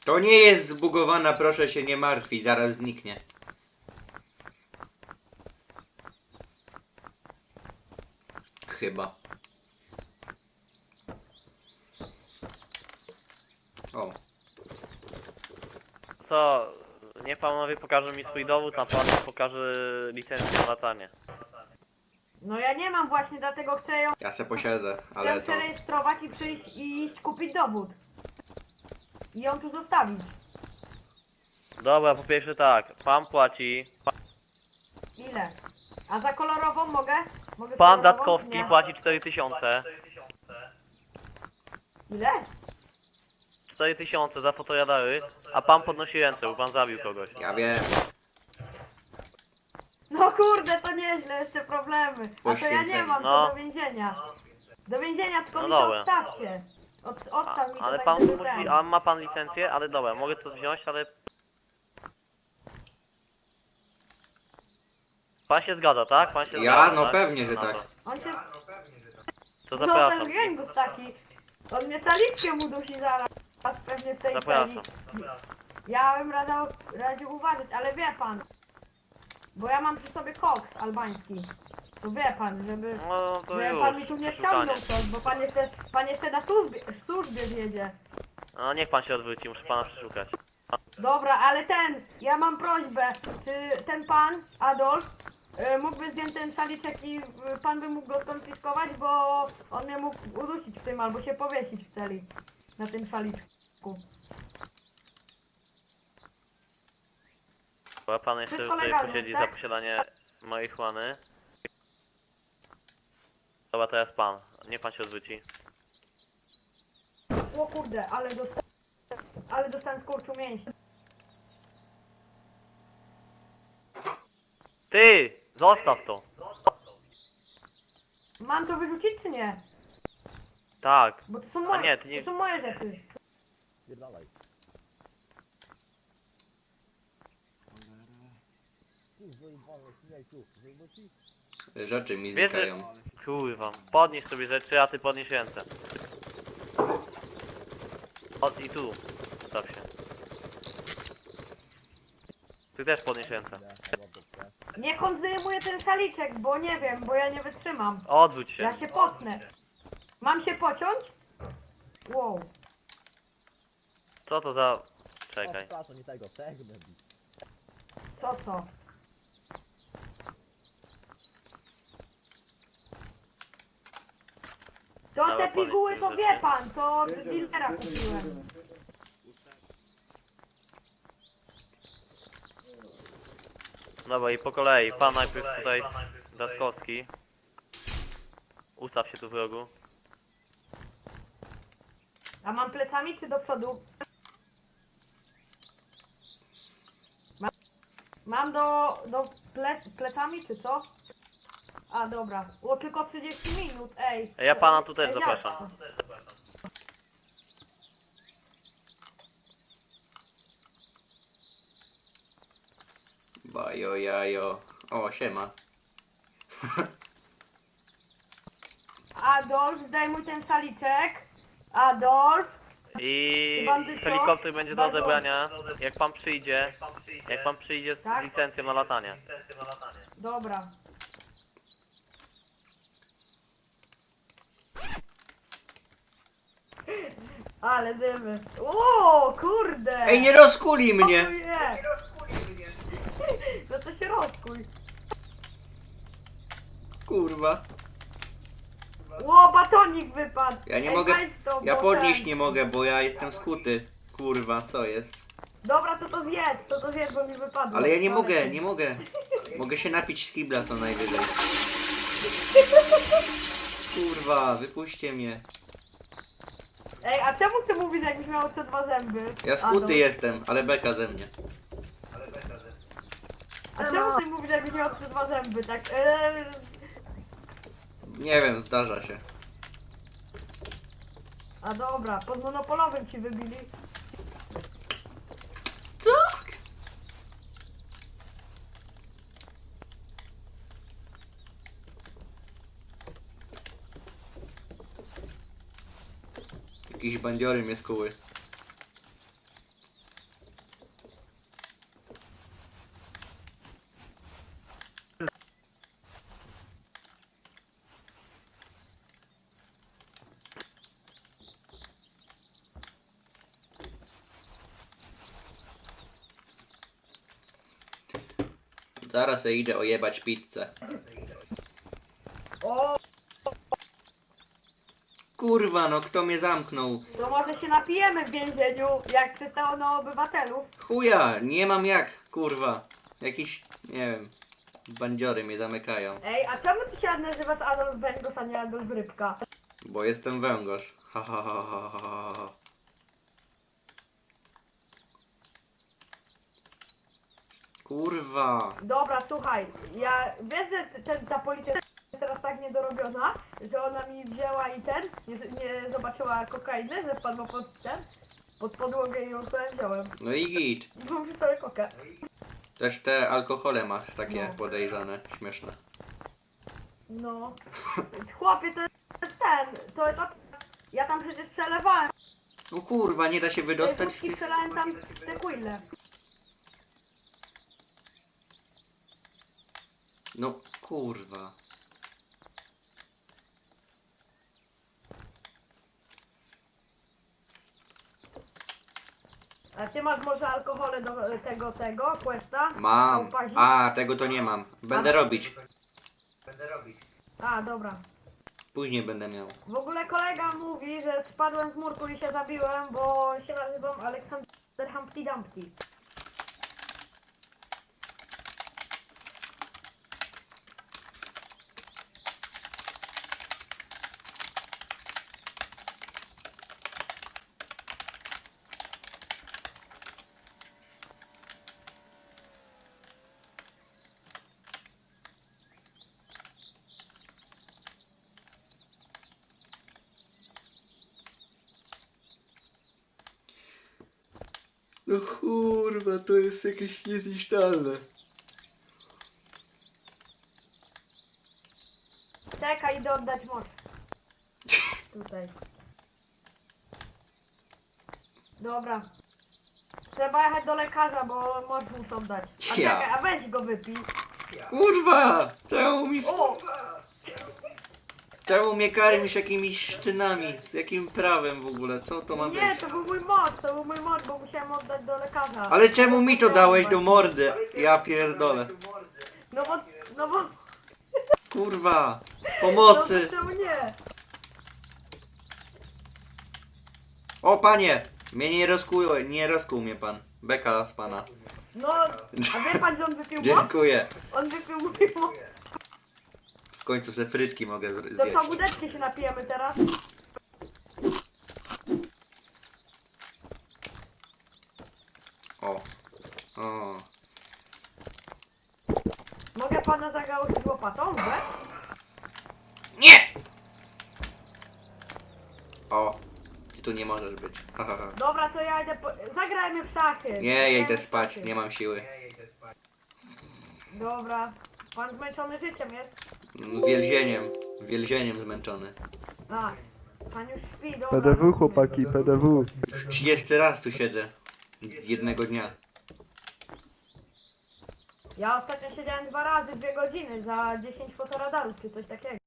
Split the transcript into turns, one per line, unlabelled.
To nie jest zbugowana, proszę się nie martwić, zaraz zniknie. Chyba. O.
Co? Niech panowie pokażą mi swój dowód, a pan pokaże licencję na latanie.
No ja nie mam właśnie, dlatego chcę ją
Ja se posiedzę, ale to...
przerejestrować i przyjść i iść kupić dowód. I ją tu zostawić.
Dobra, po pierwsze tak, pan płaci,
Ile? A za kolorową mogę? Mogę
pan
kolorową,
Datkowski
czy nie?
płaci 4000.
Ile?
4000 za fotoradary, a pan podnosi ręce, bo pan zabił kogoś.
Ja wiem.
No kurde, to nieźle, jeszcze problemy. A to ja nie
Poświęcenie.
mam,
No.
to do więzienia. Do więzienia, tylko
No
mi to
dobra.
odstawcie. Odstaw mi to
Ale
tak,
pan
żeby
musi,
ten.
a ma pan licencję? Ale dobra, mogę to wziąć, ale... Pan się zgadza, tak? Pan się
Ja?
zgadza,
No
tak?
pewnie, że
Na
tak.
to.
On się...
To
No
zapraszam.
ten gęgus taki. On mnie saliczkę mu dusi zaraz. Pewnie w tej
Zapraszam.
celi. Ja bym radził uważać, ale wie pan. Bo ja mam przy sobie koks albański. To wie pan, żeby...
No to
Że
już,
pan mi tu nie
przeszukanie.
ściągnął coś, bo pan jeszcze na służbie wiedzie.
No niech pan się odwróci, muszę pana przeszukać.
Dobra, ale ja mam prośbę, czy ten pan, Adolf, mógłby zdjąć ten szaliczek i pan by mógł go skonfiskować, bo on mnie mógł udusić w tym, albo się powiesić w celi, na tym szaliczku.
Bo pan jeszcze
Wszystko
tutaj
legalne,
posiedzi
tak?
za posiadanie marihuany. Dobra, teraz pan. Niech pan się odwróci.
O kurde, ale dostałem skurczu mięśni.
Ty! Zostaw to!
Mam to wyrzucić czy nie?
Tak.
Bo to są
A
moje,
nie, ty nie...
to są moje rzeczy.
Rzeczy mi
Wiesz,
znikają.
że... Kurwa. Podnieś sobie rzeczy, a ty podnieś ręce. I tu. Staw się. Ty też podnieś ręce.
Niech on zdejmuje ten szaliczek, bo nie wiem, bo ja nie wytrzymam.
Odwróć się.
Ja się potnę. Mam się pociąć? Wow.
Co to za... Czekaj.
Co? To
Dobra,
te piguły to
powiedz,
wie
że-
pan, to od dealera kupiłem.
Dobra i po kolei. Pan najpierw tutaj... Datkowski. Ustaw się tu w rogu.
A mam plecami czy do przodu? Mam do plecami czy co? A dobra. O tylko 30 minut, ej.
Ja pana tu też
Ej,
zapraszam.
Bajo, jajo. O, siema.
Adolf, zdejmuj ten szaliczek. Adolf.
I
Bandyto,
helikopter będzie do
bardzo-
odebrania, jak pan przyjdzie z
Tak?
licencją na latanie.
Dobra. Ale dymy. O, kurde!
Ej, nie rozkuli
O,
mnie!
nie. No to się rozkuj.
Kurwa.
O, batonik wypadł.
Ja nie
Ej,
mogę...
weź to,
Ja
bo
podnieść
ten-
nie mogę, bo ja jestem skuty. Kurwa, co jest?
Dobra, to zjedz, bo mi wypadło.
Ale ja nie
Ale-
mogę, nie mogę. Mogę się napić z kibla co najwyżej. Kurwa, wypuśćcie mnie.
Ej, a czemu ty mówisz, jakbyś miał te dwa zęby?
Ja
Adolf?
skuty jestem, ale beka ze mnie.
A czemu ty mówisz, jakbyś miał te dwa zęby, tak?
Nie wiem, zdarza się.
A dobra, pod monopolowym ci wybili.
Tak! Jakieś bandziory mnie skuły. Zaraz se idę ojebać pizzę.
O,
Kurwa, no kto mnie zamknął?
to może się napijemy w więzieniu, jak czytało na obywatelu.
Chuja, nie mam jak, kurwa. Jakiś, nie wiem, bandziory mnie zamykają.
Ej, a czemu ty się nazywasz Adolf Węgos, a nie Adolf Rybka?
Bo jestem węgorz. Ha, ha, ha, ha, ha, ha. Kurwa.
Dobra, słuchaj, ja wiesz, że ta policja jest teraz tak niedorobiona, że ona mi wzięła i nie zobaczyła kokainy, że wpadła pod podłogę i ją sobie wziąłem.
No i git.
Mam przy sobie kokę.
Też te alkohole masz takie
No.
podejrzane, śmieszne.
No. Chłopie, to jest to jest... Ja tam przecież przelewałem,
No kurwa, nie da się
tej
wydostać z
wódki
tych...
przelałem tam te quille.
No kurwa.
A ty masz może alkohole do tego, questa?
Mam.
Upazi?
A, tego to nie mam. Będę robić.
A, dobra.
Później będę miał.
W ogóle kolega mówi, że spadłem z murku i się zabiłem, bo się nazywam Aleksander Humpty Dumpty.
No kurwa, to jest jakieś niezniszczalne.
Czekaj, idę oddać moc. Tutaj. Dobra. Trzeba jechać do lekarza, bo moc muszą dać. A
Ja.
czekaj, a weź go wypij.
Kurwa! Czemu mi...
O!
Czemu mnie karmisz jakimiś szczynami? Z jakim prawem w ogóle? Co to ma być?
Nie, to był mój moc, bo musiałem oddać do lekarza.
Ale czemu mi to dałeś do mordy? Ja pierdolę.
No bo...
Kurwa!
No
Pomocy!
to czemu nie?
O panie! Mnie nie rozkuł mnie pan. Beka z pana.
No, a wie pan, że on wypił moc?
Dziękuję.
On wypił mój moc.
W końcu se frytki mogę
Do
zjeść.
pogódeczki się napijemy teraz.
O. O.
Mogę pana zagałować łopatą, że?
Nie! O. Ty tu nie możesz być. Ha, ha, ha.
Dobra, to ja idę zagrajmy w szachy.
Nie, ja
Zagrajmy
idę
w
spać.
szachy.
Nie mam siły.
Dobra. Pan zmęczony życiem jest?
Więzieniem zmęczony.
A, pan już śpi, dobra.
PDW chłopaki, PDW.
Już 30 raz tu siedzę. Jednego dnia.
Ja ostatnio siedziałem 2 razy 2 godziny za 10 fotoradarów czy coś takiego.